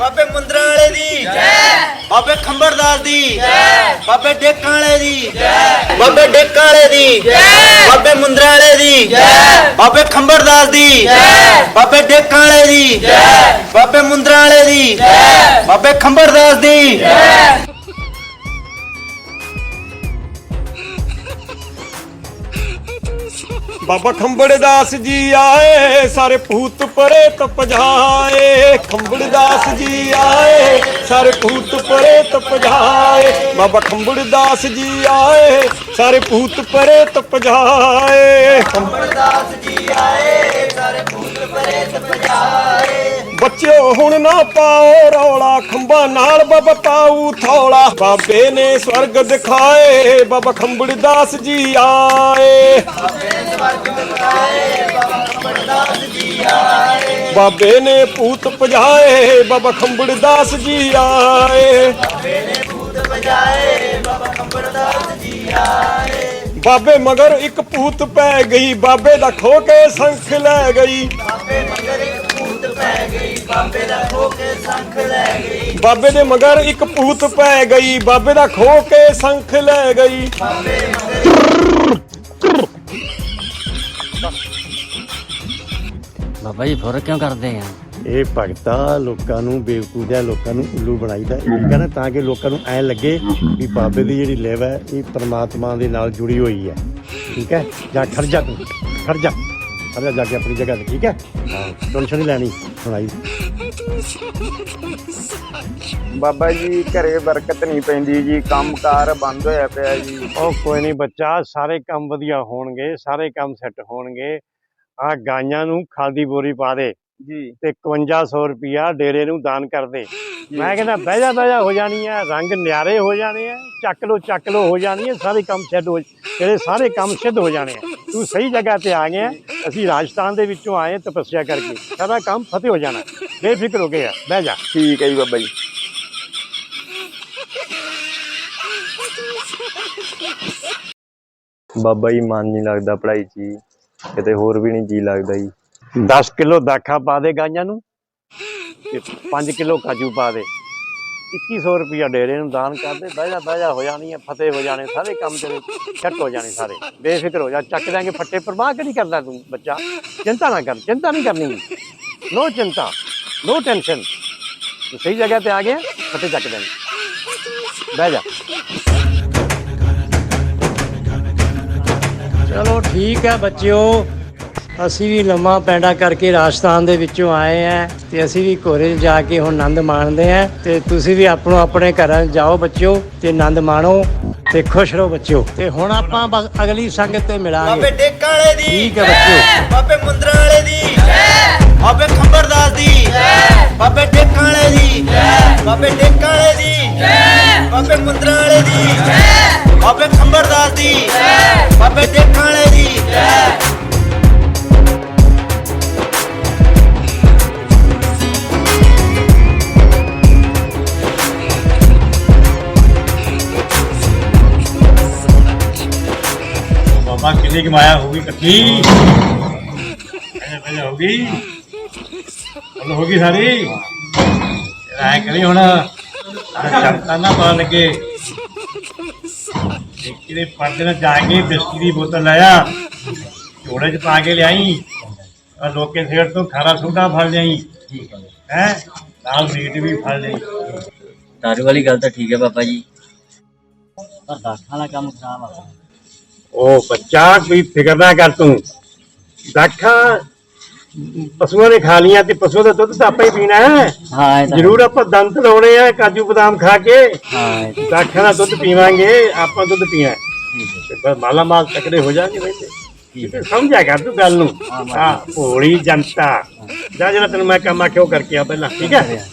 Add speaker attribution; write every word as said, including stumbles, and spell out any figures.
Speaker 1: बाबे मुंदरा वाले दी बाबे खंबरदास दी बाबे डेकां वाले दी बाबे डेकां वाले दी बाबे मुंदरा वाले दी बाबे खंबरदास दी बाबे डेकां वाले दी बाबे मुंदरा वाले दी बाबे खंबरदास दी।
Speaker 2: बाबा खंबड़दास जी आए सारे भूत प्रेत पजाए। खंबड़दास जी आए सारे भूत प्रेत पजाए। बाबा खंबड़दास जी आए सारे भूत प्रेत पजाए।
Speaker 1: खंबरदास जी आए सारे भूत प्रेत पजाए।
Speaker 2: बच्चों हुण ना पाओ रौला खंबा नाल बाबा पाऊ थौला। बाबे ने स्वर्ग दिखाए बाबा खंबड़दास जी आए। बाबे ने भूत पजाए बाबा खंबड़दास जी आए। बाबे मगर एक भूत पै गई बाबे दा खो के संख लै गई। बाबे दे मगर एक भूत पै गई बाबे दा खो के संख लै गई।
Speaker 3: बाबा जी फुर क्यों करते हैं?
Speaker 4: ਇਹ ਭਗਤਾ ਲੋਕਾਂ ਨੂੰ ਬੇਵਕੂਫਿਆਂ ਲੋਕਾਂ ਨੂੰ ਉੱਲੂ ਬਣਾਈਦਾ ਠੀਕ ਹੈ ਨਾ, ਤਾਂ ਕਿ ਲੋਕਾਂ ਨੂੰ ਐਂ ਲੱਗੇ ਵੀ ਬਾਬੇ ਦੀ ਜਿਹੜੀ ਲਿਵ ਹੈ ਇਹ ਪਰਮਾਤਮਾ ਦੇ ਨਾਲ ਜੁੜੀ ਹੋਈ ਹੈ। ਠੀਕ ਹੈ, ਜਾਂ ਖੜ ਜਾ ਤੂੰ ਖੜ ਜਾ ਖੜ ਜਾ ਜਾ ਕੇ ਆਪਣੀ ਜਗ੍ਹਾ ਤੇ। ਠੀਕ ਹੈ, ਹਾਂ ਟੈਨਸ਼ਨ ਨਹੀਂ ਲੈਣੀ ਸੁਣਾਈ।
Speaker 5: ਬਾਬਾ ਜੀ ਘਰੇ ਬਰਕਤ ਨਹੀਂ ਪੈਂਦੀ ਜੀ, ਕੰਮਕਾਰ ਬੰਦ ਹੋਇਆ ਪਿਆ ਜੀ।
Speaker 4: ਉਹ ਕੋਈ ਨਹੀਂ ਬੱਚਾ, ਸਾਰੇ ਕੰਮ ਵਧੀਆ ਹੋਣਗੇ, ਸਾਰੇ ਕੰਮ ਸੈੱਟ ਹੋਣਗੇ। ਆਹ ਗਾਈਆਂ ਨੂੰ ਖਾਦੀ ਬੋਰੀ ਪਾ ਦੇ
Speaker 5: ਜੀ
Speaker 4: ਤੇ ਇਕਵੰਜਾ ਸੌ ਰੁਪਿਆ ਡੇਰੇ ਨੂੰ ਦਾਨ ਕਰ ਦੇ। ਮੈਂ ਕਹਿੰਦਾ ਬਹਿ ਜਾ ਬਹਿ ਜਾ ਹੋ ਜਾਣੀ ਹੈ, ਰੰਗ ਨਿਆਰੇ ਹੋ ਜਾਣੇ ਆ, ਚੱਕ ਲੋ ਚੱਕ ਲੋ ਹੋ ਜਾਣੀ ਹੈ, ਸਾਰੇ ਕੰਮ ਸਿੱਧ ਹੋ ਤੇਰੇ ਸਾਰੇ ਕੰਮ ਸਿੱਧ ਹੋ ਜਾਣੇ ਆ। ਤੂੰ ਸਹੀ ਜਗ੍ਹਾ ਤੇ ਆ ਗਿਆ। ਅਸੀਂ ਰਾਜਸਥਾਨ ਦੇ ਵਿੱਚੋਂ ਆਏ ਤਪੱਸਿਆ ਕਰਕੇ, ਸਾਰਾ ਕੰਮ ਫਤਿਹ ਹੋ ਜਾਣਾ, ਬੇਫਿਕਰ ਹੋ ਗਿਆ, ਬਹਿ ਜਾ।
Speaker 5: ਠੀਕ ਹੈ ਜੀ ਬਾਬਾ ਜੀ। ਬਾਬਾ ਜੀ ਮਨ ਨਹੀਂ ਲੱਗਦਾ ਪੜ੍ਹਾਈ 'ਚ ਜੀ, ਕਿਤੇ ਹੋਰ ਵੀ ਨਹੀਂ ਜੀ ਲੱਗਦਾ ਜੀ।
Speaker 4: ਦਸ ਕਿਲੋ ਦਾਖਾ ਪਾ ਦੇ ਗਾਈਆਂ ਨੂੰ ਤੇ ਪੰਜ ਕਿਲੋ ਕਾਜੂ ਪਾ ਦੇ। ਇੱਕੀ ਸੌ ਰੁਪਇਆ ਡੇਰੇ ਨੂੰ ਦਾਨ ਕਰ ਦੇ। ਬਹਿ ਜਾ ਬਹਿ ਜਾ ਹੋ ਜਾਣੀ ਹੈ, ਫਤਿਹ ਹੋ ਜਾਣੇ, ਸਾਰੇ ਕੰਮ ਤੇਰੇ ਸੈੱਟ ਹੋ ਜਾਣੇ, ਸਾਰੇ ਬੇਫਿਕਰ ਹੋ ਜਾ। ਚੱਕ ਦਿਆਂਗੇ ਫੱਟੇ, ਪਰਵਾਹ ਕਿਹੜੀ ਕਰਦਾ ਤੂੰ ਬੱਚਾ, ਚਿੰਤਾ ਨਾ ਕਰ, ਚਿੰਤਾ ਨਹੀਂ ਕਰਨੀ, ਨੋ ਚਿੰਤਾ ਨੋ ਟੈਨਸ਼ਨ। ਤੂੰ ਸਹੀ ਜਗ੍ਹਾ ਤੇ ਆ ਗਿਆ, ਫੱਟੇ ਚੱਕ ਦਿਆਂਗੇ, ਬਹਿ ਜਾ।
Speaker 6: ਚਲੋ ਠੀਕ ਹੈ ਬੱਚਿਓ, ਅਸੀਂ ਵੀ ਲੰਮਾ ਪੈਂਡਾ ਕਰਕੇ ਰਾਜਸਥਾਨ ਦੇ ਵਿੱਚੋਂ ਆਏ ਆ ਤੇ ਅਸੀਂ ਵੀ ਘੋਰੇ 'ਚ ਜਾ ਕੇ ਹੁਣ ਆਨੰਦ ਮਾਣਦੇ ਆ। ਤੇ ਤੁਸੀਂ ਵੀ ਆਪਣੋ ਆਪਣੇ ਘਰਾਂ 'ਚ ਜਾਓ ਬੱਚਿਓ ਤੇ ਆਨੰਦ ਮਾਣੋ ਤੇ ਖੁਸ਼ ਰਹੋ ਬੱਚਿਓ। ਤੇ ਹੁਣ ਆਪਾਂ ਬਸ ਅਗਲੀ ਸੰਗਤ ਤੇ ਮਿਲਾਂਗੇ।
Speaker 1: ਬਾਬੇ ਡੇਕਾਂ ਵਾਲੇ ਦੀ
Speaker 6: ਠੀਕ ਹੈ ਬੱਚਿਓ।
Speaker 1: ਬਾਬੇ ਮੁੰਦਰਾ ਵਾਲੇ ਦੀ ਬਾਬੇ ਖੰਬਰਦਾਸ ਦੀ ਬਾਬੇ ਡੇਕਾਂ ਵਾਲੇ ਦੀ ਬਾਬੇ ਡੇਕਾਂ ਵਾਲੇ ਦੀ ਬਾਬੇ ਮੁੰਦਰਾ ਵਾਲੇ ਦੀ ਬਾਬੇ ਖੰਬਰਦਾਸ ਦੀ ਬਾਬੇ ਡੇਕਾਂ ਵਾਲੇ ਦੀ।
Speaker 2: बाबा कितनी की माया होगी इकट्ठी होगी होगी सारी राय करी होना चलता ना पता लगे। पर्दे में जाके बिस्की की बोतल लाया, जोड़े च पा के लियाई और लोग के सेठ तो खारा सोडा फल जाई है, नाल मीट भी फल जाई।
Speaker 3: दारू वाली गल तो ठीक है बाबा जी, पर दाखा वाला काम खराब आ।
Speaker 4: ਉਹ ਬੱਚਾ ਕੋਈ ਫਿਕਰ ਨਾ ਕਰ ਤੂੰ। ਦਾਖਾਂ ਪਸ਼ੂਆਂ ਨੇ ਖਾ ਲੀਆਂ ਤੇ ਪਸ਼ੂ ਦਾ ਦੁੱਧ ਤਾਂ ਆਪਾਂ ਹੀ ਪੀਣਾ ਹੈ।
Speaker 3: ਹਾਂ
Speaker 4: ਜ਼ਰੂਰ ਆਪਾਂ ਦੰਦ ਲਾਉਣੇ ਆ ਕਾਜੂ ਬਦਾਮ ਖਾ ਕੇ।
Speaker 3: ਹਾਂ
Speaker 4: ਦਾਖਾਂ ਦਾ ਦੁੱਧ ਪੀਵਾਂਗੇ, ਆਪਾਂ ਦੁੱਧ ਪੀਣਾ ਤੇ ਬਸ ਮਾਲਾ ਮਾਲ ਤਕੜੇ ਹੋ ਜਾਣਗੇ। ਵੈਸੇ ਸਮਝਿਆ ਕਰ ਤੂੰ ਗੱਲ ਨੂੰ। ਹਾਂ ਭੋਲੀ ਜਨਤਾ ਜਾ, ਜਿਹੜਾ ਤੈਨੂੰ ਮੈਂ ਕੰਮ ਆਖਿਆ ਉਹ ਕਰਕੇ ਆ ਪਹਿਲਾਂ, ਠੀਕ ਹੈ।